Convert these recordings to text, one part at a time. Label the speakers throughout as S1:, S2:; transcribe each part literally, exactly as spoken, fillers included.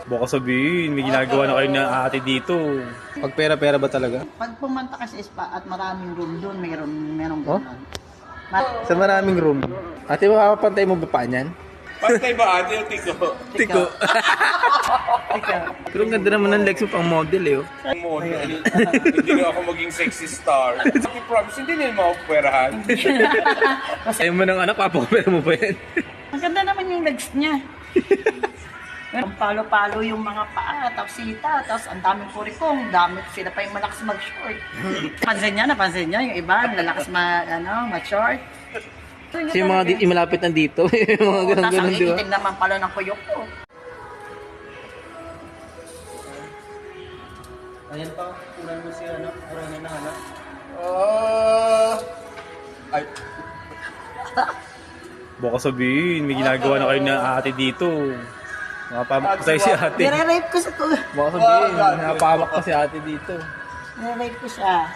S1: Baka sabihin, may ginagawa na kayo na ate dito. Pag pera-pera ba talaga?
S2: Pag pumunta ka sa spa at maraming room doon, mayroon merong
S1: Oh?
S2: gano'n. Ma-
S1: Sa maraming room. Ate, makakapantay mo ba pa niyan?
S3: Pantay ba ate o tiko?
S1: Tiko.
S2: Ikaw.
S1: Pero ang ganda naman ng legs mo pang model eh. Oh.
S3: Ang model. Hindi na ako maging sexy star. I promise, hindi nila makapwerahan.
S1: Ayaw mo ng anak, papakapera mo ba yan?
S2: Maganda naman yung legs niya. Ang palo-palo yung mga paa, tapos sita, tapos ang daming kurikong, dami sila pa yung malakas mag-short. Pansin niya, napansin niya, yung iba, lalakas ma, ano, mag-short. So,
S1: Kasi yung mga di, yung malapit nandito, yung mga
S2: Oo,
S1: ganun
S2: tapos ang
S1: ganun, di ba?
S2: iitim naman pala ng kuyok ko.
S4: Ayan pa, kulang mo siya, ano? Kulang na ano?
S3: Ah. Ay,
S1: Baka sabihin, may ginagawa na kayo na ate dito. Nakapamak pa si ate.
S2: Nire-rape ko sa to.
S1: Baka sabihin, nakapamak pa si ate dito.
S2: Nire-rape ko siya.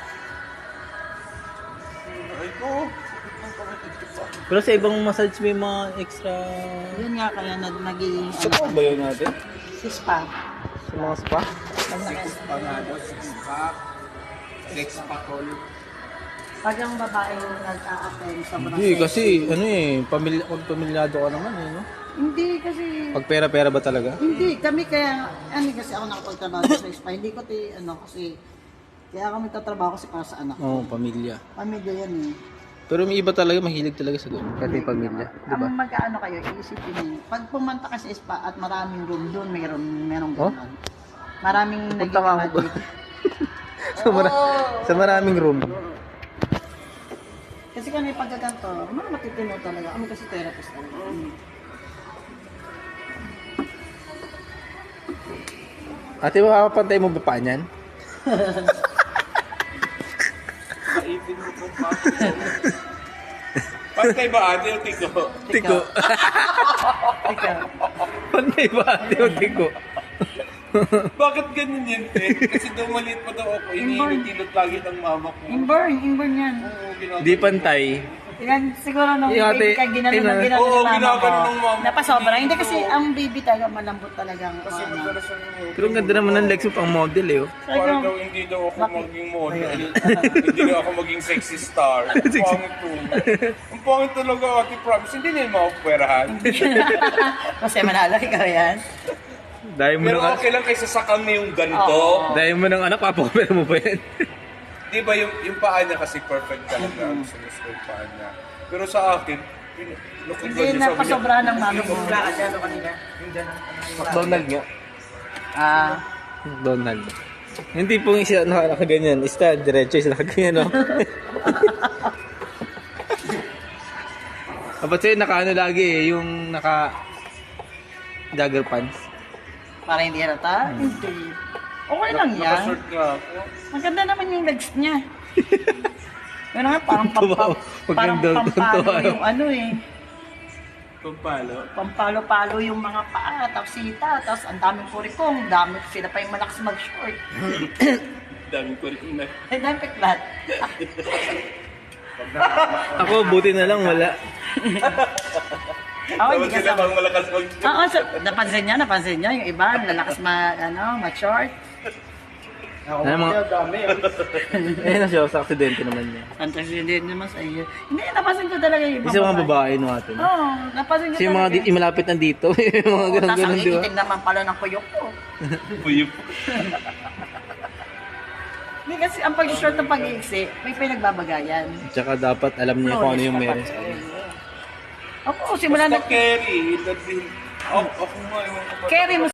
S3: ay ko.
S1: Pero sa ibang massage may mga extra...
S2: Yun nga kaya na naging,
S1: Sa
S2: ano,
S1: ba yun natin?
S2: si spa.
S1: Sa mga spa?
S2: Pag naka-
S3: Panado, six pack. Six pack ulit.
S2: Pag ang babae yung nag-a-attend sa mga
S1: Hindi, kasi ano eh, pamilya, pag pamilyado ka naman eh, no?
S2: Hindi kasi...
S1: Pag pera-pera ba talaga?
S2: Hindi, kami kaya, ano kasi ako nakapagtrabaho sa spa, hindi ko ti, ano, kasi, kaya kami tatrabaho kasi para sa anak.
S1: Oo, pamilya.
S2: Pamilya yan eh.
S1: Pero may iba talaga, mahilig talaga sa gano'n. Kahit may pamilya, di ba?
S2: Ang mag-ano kayo, iisipin niyo, pag pumunta ka sa spa at maraming room doon, mayroon, merong
S1: Oh?
S2: gano'n. Maraming
S1: Punta nga ako ba? sa, mara- sa maraming room.
S2: Kasi kami pagkaganto, mga matitino talaga. Kami kasi therapist talaga.
S1: Ate, makakapantay mo ba pa niyan?
S3: Kaipin mo kung paano. Pantay ba ate o tiko?
S1: Tiko.
S2: Ikaw.
S1: Pantay ba ate o tiko?
S3: Bakit ganyan yan, te? Kasi daw maliit pa daw ako. Iniinit-init lagi ng mama ko.
S2: Inborn, inborn yan.
S3: Oo, ginagawa.
S1: Di pantay.
S2: Yan, siguro nung
S1: Yung
S2: baby
S1: ate,
S2: ka, ginano
S1: ina-
S2: ng ginano
S3: Oo,
S2: ng mama
S3: ginagano
S2: ko.
S3: ng mama ko.
S2: Napasobra. Hindi kasi ang baby talaga malambot talaga. Ang
S3: Kasi
S2: ano.
S3: madalas ang
S1: Pero ang ganda naman ng legs mo pang model eh. Oh.
S3: parang daw hindi daw ako maging model. Hindi daw ako maging sexy star. Ang pangit to. Ang pangit talaga, ate, promise. Hindi nila makapwerahan.
S2: Kasi manalo, ikaw yan.
S1: Dahil mo
S3: Pero
S1: ng,
S3: okay lang kaysa sakang na yung ganito.
S2: Oo.
S1: dahil mo ng anak, papakapera mo ba yan?
S3: Di ba yung, yung paa niya kasi perfect talaga. Ang sumis ko yung paa niya. Pero sa akin, look at
S2: Hindi na pasobrahan ng mami mo.
S1: McDonald nga.
S2: Ah,
S1: McDonald. Hindi pong isa naka- nakaganyan. Isa, diretso, isa nakaganyan, no? Dapat sa'yo, naka ano lagi eh, yung naka jogger pants.
S2: para hindi halata? Hindi. Okay lang yan.
S3: Nakashort nga ako.
S2: Maganda naman yung legs niya. Pero nga, parang,
S1: Tuwa
S2: pampa,
S1: ako. Huwag
S2: parang
S1: yung dog-
S2: pampalo
S1: tuwa ako.
S2: yung ano eh.
S3: Pampalo.
S2: Pampalo-palo yung mga paa, tapos sita, tapos ang daming kurikong, dami sila pa yung malakas mag-short.
S3: Daming ko rin na.
S2: Ay, dami peklat.
S1: Ako, buti na lang, wala.
S2: Ako, hindi
S3: Tapos sila
S2: kasama.
S3: bang malakas mag...
S2: Oo, so, napansin niya, napansin niya, yung iba, lalakas ma, ano, ma-short.
S4: Ako
S1: Ano mga-
S4: mga dami.
S1: Eh, na siya, sa aksidente naman niya.
S2: Fantasy hindi naman sa iyo. Hindi, napansin ko talaga yung
S1: Isa mga babae no atin.
S2: Oo, napansin ko
S1: Kasi yung mga
S2: talaga.
S1: di, yung malapit nandito, yung mga ganun
S2: Tapos ang
S1: ganun, di ba?
S2: iitim naman pala ng kuyok ko.
S3: Puyup.
S2: Hindi kasi ang pag-short ng pag-iiksi, may pinagbabagayan.
S1: Tsaka dapat alam niya kung ano yung meron sa kanya.
S2: Ako, simula
S3: Basta
S2: na
S3: carry. That's it. Ako, ako nga. ewan ko pa.
S2: carry mo